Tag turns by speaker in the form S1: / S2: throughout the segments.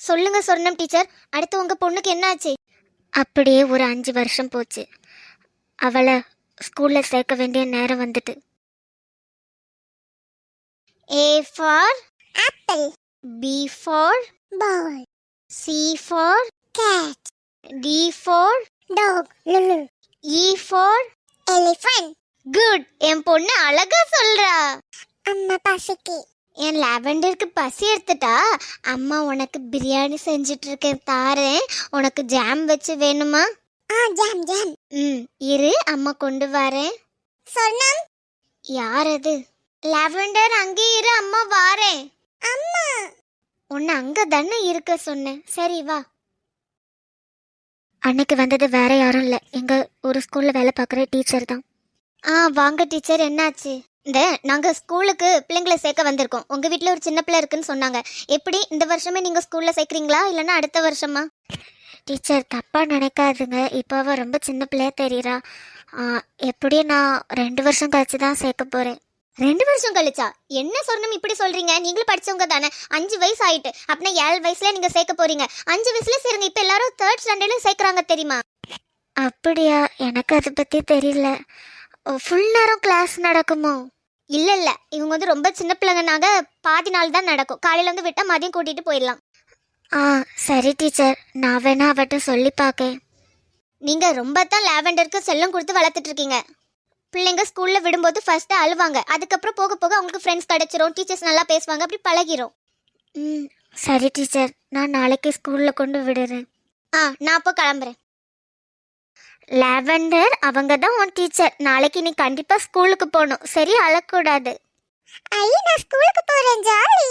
S1: சொல்லுங்க சொர்ணம் டீச்சர், அடுத்து உங்க பொண்ணுக்கு என்னாச்சு? அப்படியே ஒரு 5 வருஷம் போச்சு. அவளை ஸ்கூல்ல சேர்க்க வேண்டிய நேரம் வந்துட்டு. A for
S2: apple,
S1: B for
S2: ball,
S1: C for
S2: cat,
S1: D for
S2: dog, lulu,
S1: E for
S2: elephant.
S1: good. என் பொண்ணு அழகா சொல்றா.
S2: அம்மா பசிக்கு.
S1: என் லாவெண்டருக்கு பசி எடுத்துட்டா. அம்மா உனக்கு பிரியாணி செஞ்சுட்டு இருக்கேன், தாரேன். உனக்கு ஜாம் வச்சு வேணுமா?
S2: Jam jam.
S1: இரு, அம்மா கொண்டு வரேன்.
S2: சொர்ணம்.
S1: யார் அது? லாவெண்டர் அங்கே இரு, அம்மா வாரேன்.
S2: அம்மா.
S1: உன்னை அங்க தானே இருக்க சொன்னேன். சரி வா. அன்னைக்கு வந்தது வேற யாரும் இல்லை, எங்க ஒரு ஸ்கூல்ல வேலை பார்க்குற டீச்சர் தான். வாங்க டீச்சர், என்னாச்சு? நாங்கள் ஸ்கூலுக்கு பிள்ளைங்களை சேர்க்க வந்திருக்கோம். உங்கள் வீட்டில் ஒரு சின்ன பிள்ளை இருக்குன்னு சொன்னாங்க. எப்படி இந்த வருஷமே நீங்கள் ஸ்கூலில் சேர்க்குறீங்களா இல்லைன்னா அடுத்த வருஷமா? டீச்சர் தப்பாக நினைக்காதுங்க, இப்போ அவள் ரொம்ப சின்ன பிள்ளையா தெரியுறா. எப்படியும் நான் 2 வருஷம் கழிச்சு தான் சேர்க்க போகிறேன். 2 வருஷம் கழிச்சா? என்ன சொர்ணம் இப்படி சொல்கிறீங்க? நீங்களும் படித்தவங்க தானே. 5 வயசு ஆயிட்டு, அப்படின்னா 7 வயசுல நீங்கள் சேர்க்க போகிறீங்க. 5 வயசுல சேருங்க. இப்போ எல்லாரும் 3rd ஸ்டாண்டர்டில் சேர்க்குறாங்க தெரியுமா? அப்படியா? எனக்கு அதை பற்றி தெரியல. ஃபுல் நேரம் கிளாஸ் நடக்குமோ? இல்லை, இவங்க வந்து ரொம்ப சின்ன பிள்ளைங்கனாக பாதி நாள் தான் நடக்கும். காலையில் வந்து விட்டால் மதியம் கூட்டிகிட்டு போயிடலாம். சரி டீச்சர், நான் வேணா அவட்ட சொல்லி பார்க்கேன். நீங்கள் ரொம்ப தான் லாவெண்டருக்கு செல்லம் கொடுத்து வளர்த்துட்ருக்கீங்க. பிள்ளைங்க ஸ்கூலில் விடும்போது ஃபர்ஸ்ட்டு அழுவாங்க, அதுக்கப்புறம் போக போக அவங்களுக்கு ஃப்ரெண்ட்ஸ் கிடச்சிரும், டீச்சர்ஸ் நல்லா பேசுவாங்க, அப்படி பழகிரும். சரி டீச்சர், நான் நாளைக்கு ஸ்கூலில் கொண்டு விடுறேன். நான் அப்போ கிளம்புறேன். லாவெண்டர், அவங்க தான் உன் டீச்சர். நாளைக்கு நீ கண்டிப்பா ஸ்கூலுக்கு போகணும், சரி? அழக்கூடாது.
S2: நான் ஸ்கூலுக்கு போறேன், ஜாலி.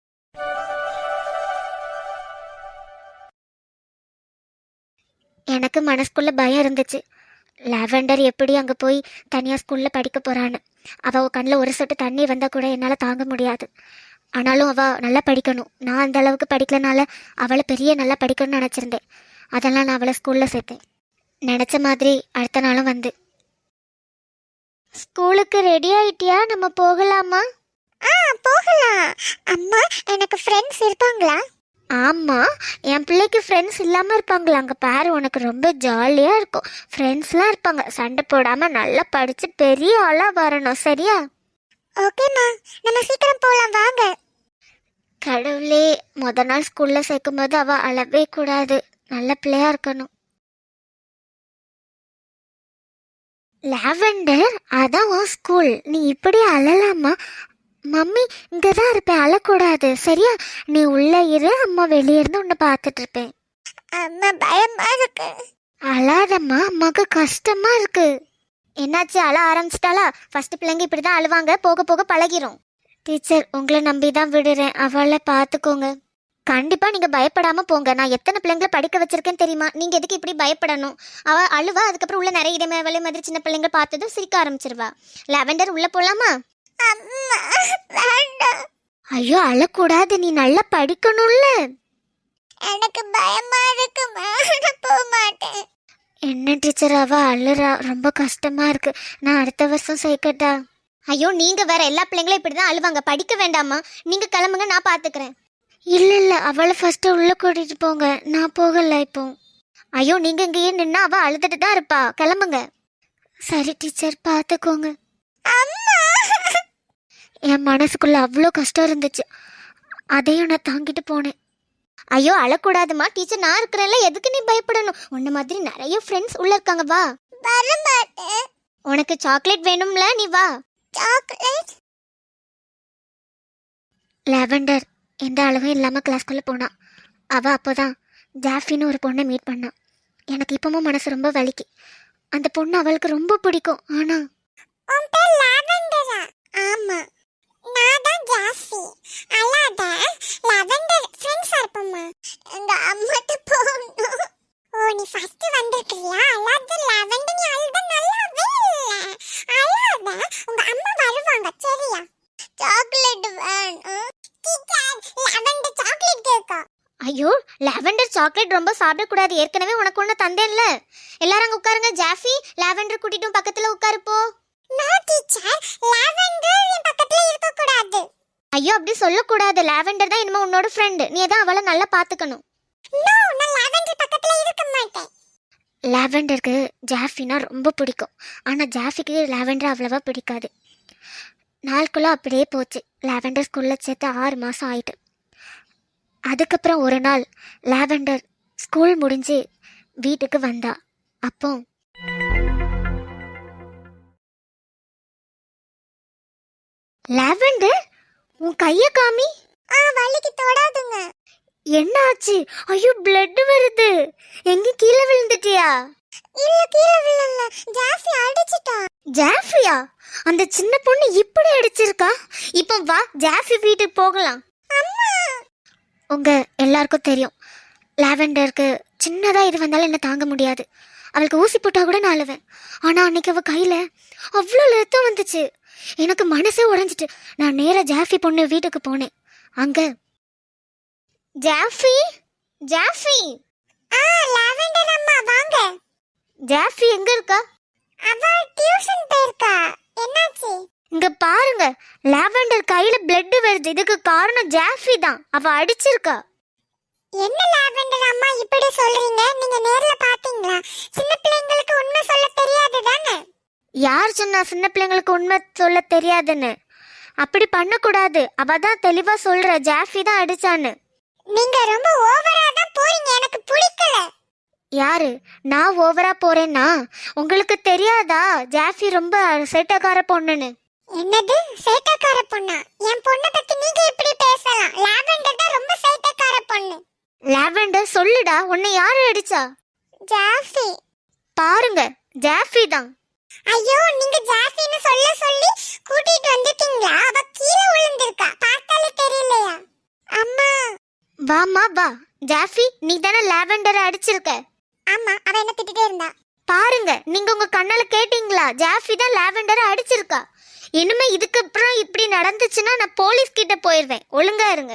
S1: எனக்கு மனசுக்குள்ள பயம் இருந்துச்சு. லாவெண்டர் எப்படி அங்கே போய் தனியாக ஸ்கூலில் படிக்க போகிறான்னு. அவள் கண்ணில் ஒரு சொட்டு தண்ணி வந்தால் கூட என்னால் தாங்க முடியாது. ஆனாலும் அவள் நல்லா படிக்கணும். நான் அந்த அளவுக்கு படிக்கலனால அவளை பெரிய நல்லா படிக்கணும்னு நினச்சிருந்தேன். அதெல்லாம் நான் அவளை ஸ்கூலில் சேர்த்தேன். நினச்ச மாதிரி அடுத்த நாளும் வந்து. ஸ்கூலுக்கு ரெடி ஆயிட்டியா? நம்ம போகலாமா?
S2: போகலாம். அம்மா, எனக்கு ஃப்ரெண்ட்ஸ் இருப்பாங்களா?
S1: ஆமாம், என் பிள்ளைக்கு ஃப்ரெண்ட்ஸ் இல்லாமல் இருப்பாங்களா? அங்கே பாரு, உனக்கு ரொம்ப ஜாலியாக இருக்கும். ஃப்ரெண்ட்ஸ்லாம் இருப்பாங்க. சண்டை போடாமல் நல்லா படித்து பெரிய ஆளாக வரணும், சரியா?
S2: ஓகேம்மா, நம்ம சீக்கிரம் போகலாம், வாங்க.
S1: கடவுளே, முத நாள் ஸ்கூலில் சேர்க்கும் போது அவள் அழவே கூடாது, நல்ல பிள்ளையா இருக்கணும். லாவெண்டர், அதான் உன் ஸ்கூல், நீ இப்படி அழலாமா? மம்மி இங்கே தான் இருப்பேன், அழக்கூடாது, சரியா? நீ உள்ளே இரு, அம்மா வெளியே இருந்து உன்னை பார்த்துட்டு இருப்பேன்.
S2: அம்மா, பயமா இருக்கு.
S1: அழாதம்மா, அம்மாவுக்கு கஷ்டமா இருக்கு. என்னாச்சு, அழ ஆரம்பிச்சிட்டாளா? ஃபர்ஸ்ட் பிள்ளைங்க இப்படி தான் அழுவாங்க, போக போக பழகிரும். டீச்சர், உங்களை நம்பி தான் விடுறேன், அவளை பார்த்துக்கோங்க. கண்டிப்பா நீங்க பயப்படாம போங்க. நான் எத்தனை பிள்ளைங்களை படிக்க வச்சிருக்கேன்னு தெரியுமா? நீங்க எதுக்கு இப்படி பயப்படணும்? அவ அழுவா, அதுக்கப்புறம் உள்ள நிறைய இடமே மாதிரி சின்ன பிள்ளைங்க பார்த்ததும் சிரிக்க ஆரம்பிச்சிருவா. லாவெண்டர், உள்ள போலாமா? ஐயோ, அழக்கூடாது, நீ நல்லா படிக்கணும்ல.
S2: எனக்கு பயமா இருக்கு, போக மாட்டேன்.
S1: என்ன டீச்சர், அவ அழுறா, ரொம்ப கஷ்டமா இருக்கு. நான் அடுத்த வருஷம் சேர்க்கட்டா? ஐயோ, நீங்க வேற, எல்லா பிள்ளைங்களும் இப்படிதான் அழுவாங்க, படிக்க வேண்டாமா? நீங்க கிளம்புங்க, நான் பாத்துக்கிறேன். இல்ல, அவளை ஃபர்ஸ்ட் உள்ள கூட்டிட்டு போங்க, நான் போகல இப்போ. ஐயோ, நீங்க இங்கேயே நின்னா அவ அழுதுட்டு தான் இருப்பா, கிளம்புங்க. சரி டீச்சர், பாத்துக்கோங்க. என் மனசுக்குள்ள அவ்வளோ கஷ்டம் இருந்துச்சு, அதையும் நான் தாங்கிட்டு போனேன். ஐயோ, அழக்கூடாதுமா, டீச்சர் நான் இருக்கிறேன்ல, எதுக்கு நீ பயப்படணும்? உன்ன மாதிரி நிறைய ஃப்ரெண்ட்ஸ் உள்ள இருக்காங்க, வா.
S2: வரமாட்டேன்.
S1: உனக்கு சாக்லேட் வேணும்ல, நீ வா.
S2: சாக்லேட்?
S1: லாவெண்டர் எந்த அழகும் இல்லாமல் கிளாஸ்க்குள்ளே போனான். அவள் அப்போ தான் ஜாஃபின்னு ஒரு பொண்ணை மீட் பண்ணான். எனக்கு இப்பவும் மனசு ரொம்ப வலிக்கு. அந்த பொண்ணு அவளுக்கு ரொம்ப பிடிக்கும். ஆனால்
S2: உன் பேர் லாவெண்டரா? ஆமா, நான் தான் ஜாஃபி. அல்லாத லாவெண்டர் ஃப்ரெண்ட்ஸா இருப்போமா? எங்க அம்மாட்ட போகணும். ஓ, நீ ஃபர்ஸ்ட் வந்திருக்கியா? அல்லாத லாவெண்டர், நீ அழுத நல்லாவே இல்ல. அல்லாத, உங்க அம்மா வருவாங்க, சரியா? சாக்லேட் வேணும். லாவெண்டர் சாக்லேட் கேக்கா?
S1: ஐயோ, லாவெண்டர் சாக்லேட் ரொம்ப சாப்பிடக்கூடாது, ஏற்கனவே உனக்கு ஒன்று தந்தேன்ல. எல்லாரும் அங்கே உட்காருங்க. ஜாஃபி, லாவெண்டர் கூட்டிட்டும் பக்கத்தில் உட்காருப்போ.
S2: நோ டீச்சர், லாவெண்டர் என் பக்கத்துல இருக்க கூடாது.
S1: ஐயோ அப்படி சொல்லக்கூடாது. லாவெண்டர் தான் இனிமே உன்னோட ஃப்ரெண்டு. நீ தான் அவளை நல்லா பார்த்துக்கணும்.
S2: நோ, நான் லாவெண்டர் பக்கத்துல இருக்க மாட்டேன்.
S1: லாவெண்டருக்கு ஜாஃபினா ரொம்ப பிடிக்கும். ஆனால் ஜாஃபிக்கு லாவெண்டர் அவ்வளவா பிடிக்காது. நாளுக்குள்ளே அப்படியே போச்சு. லாவெண்டர் ஸ்கூலில் சேர்த்து 6 மாதம் ஆயிட்டு. அதுக்கப்புறம் ஒரு நாள் லாவெண்டர் ஸ்கூல் முடிஞ்சு வீட்டுக்கு வந்தா. அப்போ லாவெண்டர், உன் கையை காமி.
S2: வலிக்கு தொடாதுங்க.
S1: என்ன ஆச்சு? ஐயோ பிளட் வருது. எங்க கீழே விழுந்துட்டியா?
S2: இல்ல, கீழே விழல. ஜாஃபி அடிச்சிட்டா.
S1: ஜாஃபியா? அந்த சின்ன பொண்ணு இப்படி அடிச்சிருக்கா? இப்போ வா ஜாஃபி வீட்டுக்கு போகலாம்.
S2: அம்மா,
S1: உங்க எல்லாருக்கும் தெரியும், லாவெண்டருக்கு சின்னதா இது வந்தாலும் என்ன தாங்க முடியாது. அவளுக்கு ஊசி போட்டா கூட நான் அழுவேன். ஆனா அன்னைக்கு அவ கையில அவ்வளோ ரத்தம் வந்துச்சு. எனக்கு மனசே உடைஞ்சிட்டு நான் நேரா ஜாஃபி பொண்ணு வீட்டுக்கு போனேன். அங்க ஜாஃபி, ஜாஃபி,
S2: லாவெண்டர் அம்மா வாங்க.
S1: ஜாஃபி எங்க இருக்கா?
S2: அவ டியூஷன் போயிருக்கா. என்னாச்சு?
S1: இங்க பாருங்க, லாவெண்டர் கையில பிளட் வருது. இதுக்கு காரணம் ஜாஃபி தான். அவ அடிச்சிருக்கா.
S2: என்ன லாவெண்டர் அம்மா இப்படி சொல்றீங்க? நீங்க நேர்ல பாத்தீங்களா? சின்ன பிள்ளைங்களுக்கு உண்மை சொல்ல தெரியாது தானே?
S1: யார் சொன்னா சின்ன பிள்ளைங்களுக்கு உண்மை சொல்ல தெரியாதுன்னு? அப்படி பண்ணக்கூடாது. அவ தான் தெளிவா சொல்ற, ஜாஃபி தான் அடிச்சான்னு.
S2: நீங்க ரொம்ப ஓவரா தான் போறீங்க. எனக்கு பிடிக்கல.
S1: யாரு? நான் ஓவரா போறேன்னா? உங்களுக்கு தெரியாதா ஜாஃபி ரொம்ப சேட்டக்கார பொண்ணுன்னு?
S2: என்னது சேட்டக்கார பொண்ணா? என் பொண்ணை பத்தி நீங்க எப்படி பேசலாம்? லாவெண்டர் தான் ரொம்ப சேட்டக்கார பொண்ணு.
S1: லாவெண்டர் சொல்லுடா, உன்னை யாரு அடிச்சா?
S2: ஜாஃபி.
S1: பாருங்க, ஜாஃபி தான்.
S2: ஐயோ, நீங்க ஜாஃபின்னு சொல்ல சொல்லி கூட்டிட்டு வந்துட்டீங்களா? அவ கீழே விழுந்திருக்கா. பார்த்தாலே தெரியலையா? அம்மா.
S1: வாமா வா. ஜாஃபி, நீ தானே லாவெண்டரை அடிச்சிருக்க.
S2: ஆமா, அவ என்ன திட்டிட்டே இருந்தா.
S1: பாருங்க, நீங்க உங்க கண்ணால கேட்டீங்களா? ஜாஃபி தான் லாவெண்டரை அடிச்சிருக்கா. இனிமே இதுக்கு அப்புறம் இப்படி நடந்துச்சுன்னா நான் போலீஸ் கிட்ட போயிருவேன். ஒழுங்கா இருங்க.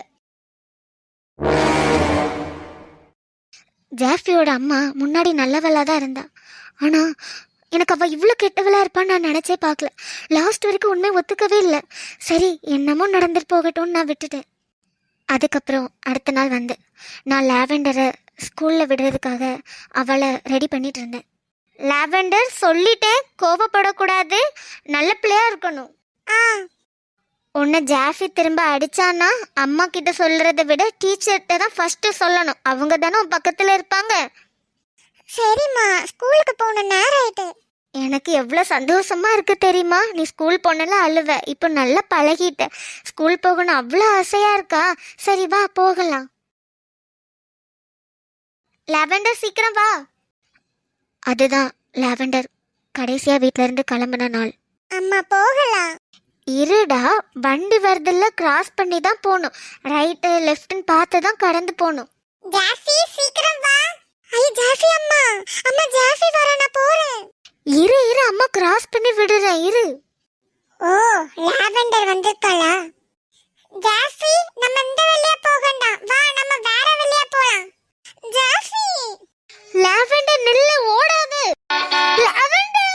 S1: ஜாஃபியோட அம்மா முன்னாடி நல்லவளா தான் இருந்தா. ஆனா எனக்கு அவ இவ்வளோ கெட்டவளா இருப்பான்னு நான் நினைச்சே பார்க்கல. லாஸ்ட் வரைக்கும் உண்மை ஒத்துக்கவே இல்லை. சரி, என்னமோ நடந்துட்டு போகட்டும்னு நான் விட்டுட்டேன். அதுக்கப்புறம் அடுத்த நாள் வந்து நான் லாவெண்டரை ஸ்கூலில் விடுறதுக்காக அவளை ரெடி பண்ணிட்டு இருந்தேன். லாவெண்டர், சொல்லிட்டேன், கோபப்படக்கூடாது, நல்ல பிள்ளையா இருக்கணும். உன்னை ஜாஃபி திரும்ப அடிச்சான்னா அம்மா கிட்ட சொல்றதை விட டீச்சர்கிட்ட தான் ஃபர்ஸ்ட் சொல்லணும். அவங்க தானே உன் பக்கத்துல இருப்பாங்க.
S2: சரிம்மா, ஸ்கூலுக்கு போன நேரம் ஆயிட்டு.
S1: எனக்கு எவ்வளோ சந்தோஷமா இருக்கு தெரியுமா? நீ ஸ்கூல் போனல அழுவ, இப்போ நல்லா பழகிட்ட. ஸ்கூல் போகணும் அவ்வளோ ஆசையா இருக்கா? சரி வா போகலாம். லாவெண்டர் சீக்கிரம் வா. அதுதான் லாவெண்டர் கடைசியா வீட்ல இருந்து கிளம்பின நாள்.
S2: அம்மா போகலாம்.
S1: இருடா, வண்டி வரதில்ல, கிராஸ் பண்ணி தான் போகணும். ரைட்டு லெஃப்ட்னு பார்த்து தான் கடந்து போகணும்.
S2: ஜாஃபி சீக்கிரம் வா. ஐ ஜாஃபி அம்மா, அம்மா ஜாஃபி வர, நான் போறேன்.
S1: இரு இரு, அம்மா கிராஸ் பண்ணி விடுறேன், இரு.
S2: ஓ, லாவெண்டர் வந்திருக்காளா? ஜாஃபி, நம்ம இந்த வழியா போகண்டாம். வா, நம்ம வேற வழியா போலாம். ஜாஃபி.
S1: லாவெண்டர் நில்லு, ஓடாது. லாவெண்டர்,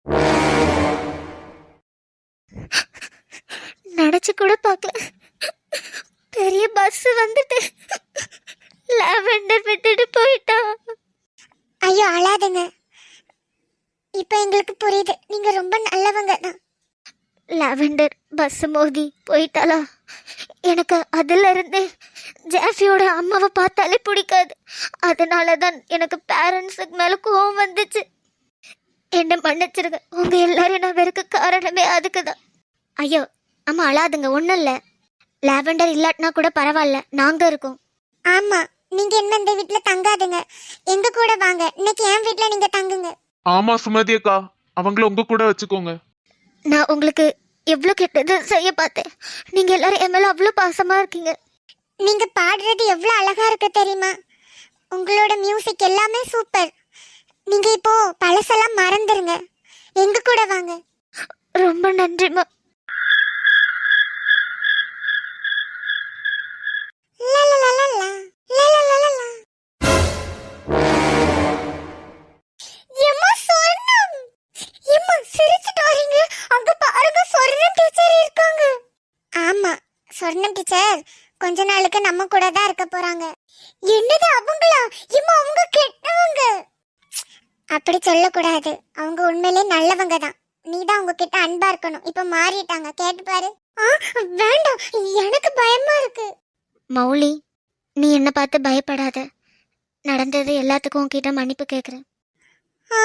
S1: நினைச்சு கூட பார்க்கல, பெரிய பஸ் வந்துட்டு லாவெண்டர் விட்டுட்டு போயிட்டா.
S2: ஐயோ அழாதுங்க. இப்போ எங்களுக்கு புரியுது, நீங்க ரொம்ப நல்லவங்க தான்.
S1: லாவெண்டர் பஸ் மோதி போயிட்டாளா? எனக்கு அதுல இருந்து ஜாஃபியோட அம்மாவை பார்த்தாலே பிடிக்காது. அதனால தான் எனக்கு பேரண்ட்ஸுக்கு மேல கோவம் வந்துச்சு. என்ன மன்னிச்சிருங்க. உங்க எல்லாரும் நான் வெறுக்க காரணமே அதுக்கு தான். ஐயோ அம்மா அழாதுங்க, ஒன்றும் இல்லை. லாவெண்டர் இல்லாட்டினா கூட பரவாயில்ல, நாங்க இருக்கோம்.
S2: ஆமா, நீங்க என்ன இந்த வீட்ல தங்காதுங்க, எங்க கூட வாங்க. இன்னைக்கு என் வீட்ல நீங்க தங்குங்க.
S3: ஆமா சுமதி அக்கா, அவங்கள உங்க கூட வச்சுக்கோங்க.
S1: நான் உங்களுக்கு எவ்வளோ கெட்டது செய்ய பார்த்தேன். நீங்க எல்லாரும் என் மேல அவ்வளோ பாசமா இருக்கீங்க.
S2: நீங்க பாடுறது எவ்வளவு அழகா இருக்கு தெரியுமா? உங்களோட மியூசிக் எல்லாமே சூப்பர். நீங்க இப்போ பழசெல்லாம் மறந்துருங்க, எங்க கூட வாங்க.
S1: ரொம்ப நன்றிம்மா.
S2: லலலலலா, லலலலலா. எம்மா சொர்ணம், எம்மா சிரிச்சிட்டு வரீங்க. அங்க பாருங்க, சொர்ணம் டீச்சர் இருக்காங்க. ஆமா, சொர்ணம் டீச்சர் கொஞ்ச நாளுக்கு நம்ம கூட தான் இருக்க போறாங்க. என்னது அவங்களா? இம்மா அவங்க கெட்டவங்க. அப்படி சொல்லக்கூடாது, அவங்க உண்மையிலே நல்லவங்க தான். நீ தான் அவங்க கிட்ட அன்பா இருக்கணும். இப்ப மாறிட்டாங்க, கேட்டு பாரு. வேண்டாம், எனக்கு பயமா இருக்கு.
S1: மௌலி, நீ என்ன பார்த்து பயப்படாத. நடந்தது எல்லாத்துக்கும் உன்கிட்ட மன்னிப்பு கேட்குறேன்.
S2: ஆ?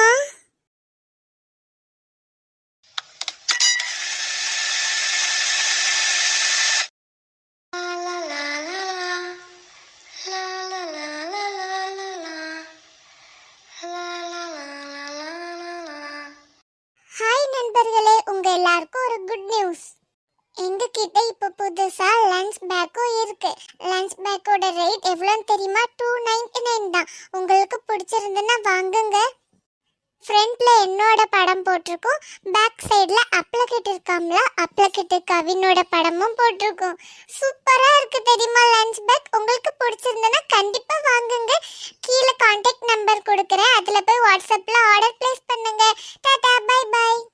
S2: ஹாய் நண்பர்களே, உங்க எல்லாருக்கும் ஒரு குட் நியூஸ். எங்க கிட்ட இப்ப புதுசா லஞ்ச் பேக்கும் இருக்கு. லஞ்ச் பேக்கோட ரேட் எவ்வளோன்னு தெரியுமா? 299 தான். உங்களுக்கு பிடிச்சிருந்துன்னா வாங்குங்க. ஃப்ரண்ட்ல என்னோட படம் போட்டிருக்கோம், பேக் சைடுல அப்ளகிட் இருக்காம்ல, அப்ளகிட் கவினோட படமும் போட்டிருக்கோம். சூப்பரா இருக்கு தெரியுமா லஞ்ச் பேக். உங்களுக்கு பிடிச்சிருந்தனா கண்டிப்பா வாங்குங்க. கீழே கான்டாக்ட் நம்பர் கொடுக்குறேன், அதுல போய் வாட்ஸ்அப்ல ஆர்டர் பிளேஸ் பண்ணுங்க. Tata, bye by.